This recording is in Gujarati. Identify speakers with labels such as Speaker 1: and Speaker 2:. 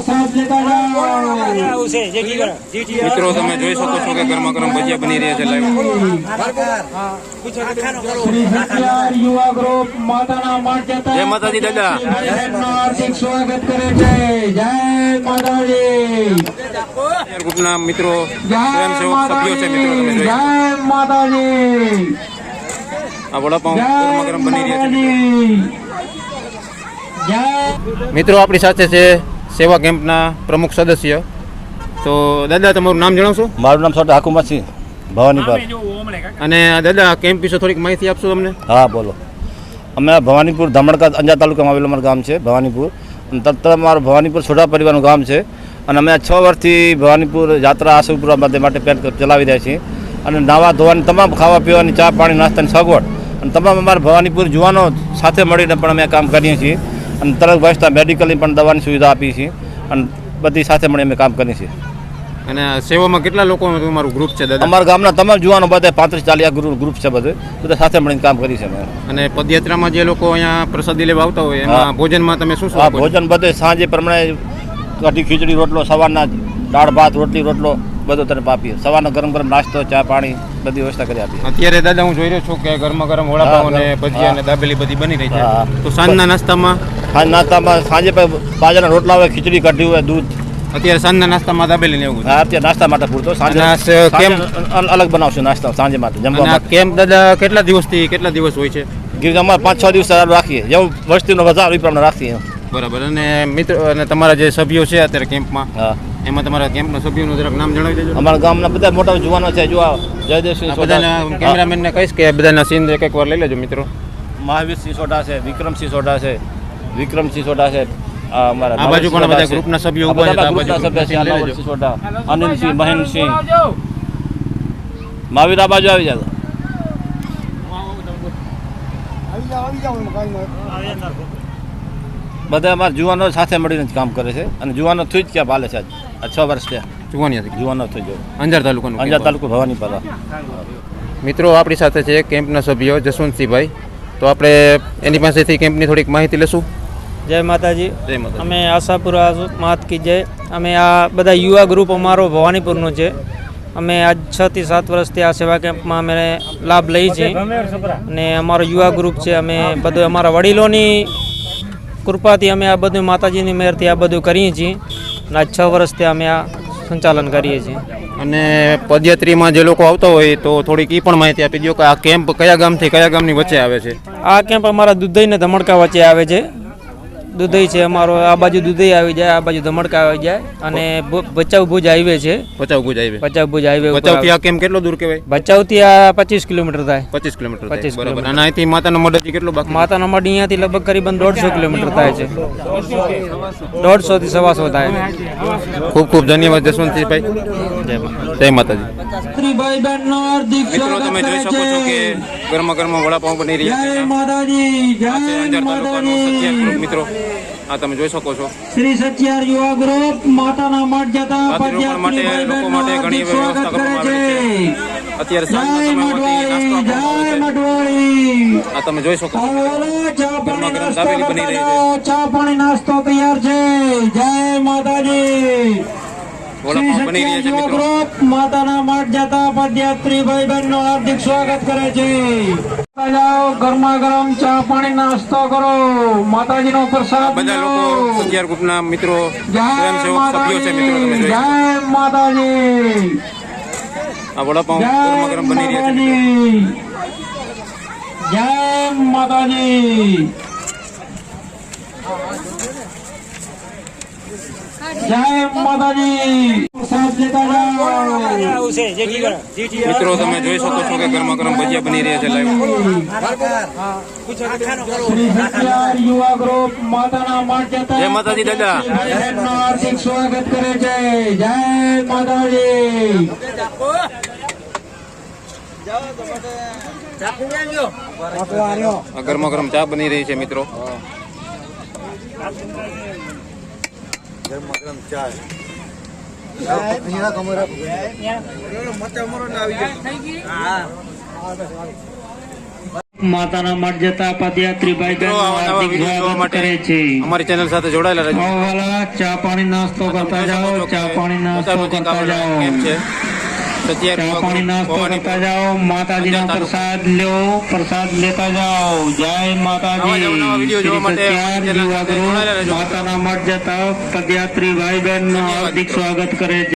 Speaker 1: મિત્રો તમે જોઈ શકો છો કે ગરમા ગરમ ભજીયા બની રહ્યા છે લાઈવ। જય માતાજી દાદા,
Speaker 2: હાર્દિક સ્વાગત કરે છે। જય માતાજી।
Speaker 1: ગ્રુપના મિત્રો સ્વયંસેવક સભ્યો છે મિત્રો તમે જોઈ
Speaker 2: જય માતાજી।
Speaker 1: આ વડાપાઉં ગરમા ગરમ બની રહ્યા છે। મિત્રો આપણી સાથે છે સેવા કેમ્પના પ્રમુખ સદસ્ય। તો દાદા તમારું નામ જણાવશો?
Speaker 3: મારું નામ સોટા હાકુમતસિંહ ભવાનીપુર।
Speaker 1: અને દાદા કેમ્પ વિશે થોડીક માહિતી આપશો તમને?
Speaker 3: હા બોલો। અમે ભવાનીપુર ધમણકા અંજાર તાલુકામાં આવેલું અમારું ગામ છે ભવાનીપુર। તરત અમારું ભવાનીપુર સોઢા પરિવારનું ગામ છે અને અમે 6 વર્ષથી ભવાનીપુર યાત્રા આશુપુરા માટે પેન ચલાવી રહ્યા છીએ અને નાવા ધોવાની તમામ ખાવા પીવાની ચા પાણી નાસ્તાની સગવડ અને તમામ અમારા ભવાનીપુર જુવાનો સાથે મળીને પણ અમે કામ કરીએ છીએ અને તરત વસ્તા મેડિકલની પણ દવાની સુવિધા આપીએ છીએ અને બધી સાથે મળી અમે કામ કરીએ છીએ।
Speaker 1: અને સેવામાં કેટલા લોકોનું તમારું ગ્રુપ છે દાદા?
Speaker 3: અમારા ગામના તમામ જુવાનો બધા 35-40 ગ્રુપ છે બધા સાથે મળીને કામ કરીએ છીએ।
Speaker 1: અને પદયાત્રામાં જે લોકો અહીંયા પ્રસાદી લેવા આવતા હોય એમાં ભોજનમાં તમે શું શું આપો છો?
Speaker 3: ભોજન બધે સાંજે પ્રમાણે કઢી ખીચડી રોટલો, સવારના દાળ ભાત રોટલી રોટલો બધું તરફ આપીએ। સવારનો ગરમ ગરમ નાસ્તો ચા પાણી બધી વ્યવસ્થા કરી આપીએ।
Speaker 1: અત્યારે દાદા હું જોઈ રહ્યો છું કે ગરમા ગરમ વડાપાઉં અને ભજીયા અને દાબેલી બધી બની રહી છે। તો સાંજના નાસ્તામાં
Speaker 3: સાંજે બાજરાના રોટલા હોય, ખીચડી કઢી હોય, દૂધ।
Speaker 1: અત્યારે સાંજના નાસ્તામાં દાબેલી ને એવું?
Speaker 3: હા અત્યારે નાસ્તા માટે પૂરતો, સાંજે કેમ અલગ બનાવશું નાસ્તા સાંજે માટે જમવા માટે।
Speaker 1: કેમ્પ દાદા કેટલા દિવસથી કેટલા દિવસ હોય છે?
Speaker 3: અમારે 5-6 દિવસ રાખીએ, જેવું વસ્તીનો વધારો એ પ્રમાણે રાખીએ।
Speaker 1: બરાબર। અને મિત્રો અને તમારા જે સભ્યો છે અત્યારે કેમ્પમાં,
Speaker 3: હા
Speaker 1: એમાં તમારા કેમ્પના સભ્યોનું જરાક નામ જણાવી દેજો।
Speaker 3: અમારા ગામના બધા મોટા જુવાનો છે, જો જયદેવસિંહ
Speaker 1: બધાના કેમેરામેનને કહીશ કે બધાના સીન એક વાર લઈ લેજો મિત્રો।
Speaker 3: મહાવીરસિંહ સોઢા છે, વિક્રમસિંહ સોઢા છે, વિક્રમસિંહ સોઢા છે, અમારા
Speaker 1: આ બાજુ પણ બધા ગ્રુપના સભ્યો ઉભા છે, આ બાજુ
Speaker 3: સભ્ય છે, નવલસિંહ સોઢા, અનિલસિંહ, મહેનસિંહ, મહાવીર આ બાજુ આવી જાય। બધા અમારા જુવાનો સાથે મળીને કામ કરે છે અને જુવાનો થઈ જ ક્યાં પાલે છે આ 6 વર્ષ થયા જુવાનો થઈ ગયો।
Speaker 1: અંજાર તાલુકાનું
Speaker 3: અંજાર તાલુકો ભવાનીપુર।
Speaker 1: મિત્રો આપણી સાથે છે કેમ્પના સભ્યો જસવંતસિંહભાઈ। તો આપણે એની પાસેથી કેમ્પની થોડીક માહિતી લેશું।
Speaker 4: જય માતાજી।
Speaker 1: જય માતાજી।
Speaker 4: અમે આશાપુરા માત કી જય। અમે આ બધા યુવા ગ્રુપ અમારો ભવાનીપુરનું છે। અમે આજ 6 થી 7 વર્ષથી આ સેવા કેમ્પમાં અમે લાભ લઈએ છીએ અને અમારો યુવા ગ્રુપ છે। અમે બધું અમારા વડીલોની કૃપાથી અમે આ બધું માતાજીની મહેરથી આ બધું કરીએ છીએ અને આજ 6 વર્ષથી અમે આ સંચાલન કરીએ છીએ।
Speaker 1: અને પદયાત્રીમાં જે લોકો આવતા હોય તો થોડીક એ પણ માહિતી આપી દો કે આ કેમ્પ કયા ગામથી કયા ગામની વચ્ચે આવે છે?
Speaker 4: આ કેમ્પ અમારા દુધઈ ને ધમણકા વચ્ચે આવે છે। દુધઈ છે અમારો, આ બાજુ દુધઈ આવી જાય, આ બાજુ ધમણકા આવી જાય અને ભચાઉ ભુજ હાઈવે છે। ભચાઉ ભુજ હાઈવે
Speaker 1: ભચાઉથી આ કેમ્પ કેટલો દૂર કહેવાય?
Speaker 4: ભચાઉથી આ 25 કિલોમીટર થાય।
Speaker 1: 25 કિલોમીટર થાય, બરાબર। અને અહીંથી માતાનો મઢ કેટલો બાકી?
Speaker 4: માતાનો મઢ અહીંયાથી લગભગ કરીબન 150 કિલોમીટર થાય છે। 150 થી 125 થાય।
Speaker 1: ખૂબ ખૂબ ધન્યવાદ જસવંતસિંહભાઈ। જય માતાજી। મિત્રો તમે જોઈ શકો છો કે ગરમા ગરમા વડાપાઉં બની રહ્યા છે। અંજાર તાલુકાનો સત્યાર ગ્રુપ મિત્રો, આ તમે જોઈ શકો છો।
Speaker 2: શ્રી સત્યાર યુવા ગ્રુપ માતાના મઠ જતા
Speaker 1: પદયાત્રી માટે લોકો માટે ઘણી વ્યવસ્થા કરવામાં આવી છે। અત્યારે સાંજના સમયમાંથી નાસ્તો આપવામાં આવે છે। આ તમે જોઈ શકો છો ગરમા ગરમ દાબેલી બની રહી છે,
Speaker 2: ચા પાણી નાસ્તો તૈયાર છે। જય માતાજી।
Speaker 1: વડાપાઉં બની રહ્યા છે મિત્રો।
Speaker 2: માતાના મઠ જતા પદયાત્રી ભાઈ બહેનનો હાર્દિક સ્વાગત કરે છે। જાઓ ગરમા ગરમ ચા પાણી નાસ્તો કરો, માતાજીનો પ્રસાદ
Speaker 1: બધા લોકો સત્યાર ગ્રુપના મિત્રો સ્વયંસેવક સભ્યો છે મિત્રો તમે જોઈ।
Speaker 2: જય માતાજી।
Speaker 1: આ વડાપાઉં ગરમા ગરમ બની રહ્યા છે મિત્રો।
Speaker 2: જય માતાજી। જય માતાજી। પ્રસાદ લેતા જાઓ
Speaker 1: મિત્રો તમે જોઈ શકો છો કે ગરમા ગરમ ભજીયા બની રહ્યા છે લાઈવ।
Speaker 2: શ્રી સત્યાર યુવા ગ્રુપ માતાના મઠ જતા
Speaker 1: જય માતાજી દાદા,
Speaker 2: હાર્દિક સ્વાગત કરે છે। જય માતાજી।
Speaker 1: આ ગરમા ગરમ ચા બની રહી છે મિત્રો।
Speaker 3: ગરમા ગરમ ચા
Speaker 2: માતાના મઠ જતા પદયાત્રી ભાઈ બહેનો
Speaker 1: મિત્રો આવા નવા
Speaker 2: હાર્દિક
Speaker 1: વિડીયો જોવા
Speaker 2: સ્વાગત
Speaker 1: માટે
Speaker 2: કરે છે.
Speaker 1: અમારી ચેનલ સાથે જોડાયેલા રહેજો.
Speaker 2: આવો વાલા, ચા પાણી નાસ્તો કરતા જાઓ, ચા પાણી નાસ્તો કરતા જાઓ,
Speaker 1: કેમ છે સત્યાવીસ
Speaker 2: ચા પાણી નાસ્તો કરતા જાઓ, માતાજીનો પ્રસાદ લ્યો, પ્રસાદ લેતા જાઓ. જય માતાજી.
Speaker 1: નવા વિડીયો જોવા માટે
Speaker 2: શ્રી સત્યાર યુવા ગ્રુપ માતાના મઠ જતા પદયાત્રી ભાઈ બહેનનું હાર્દિક સ્વાગત કરે છે.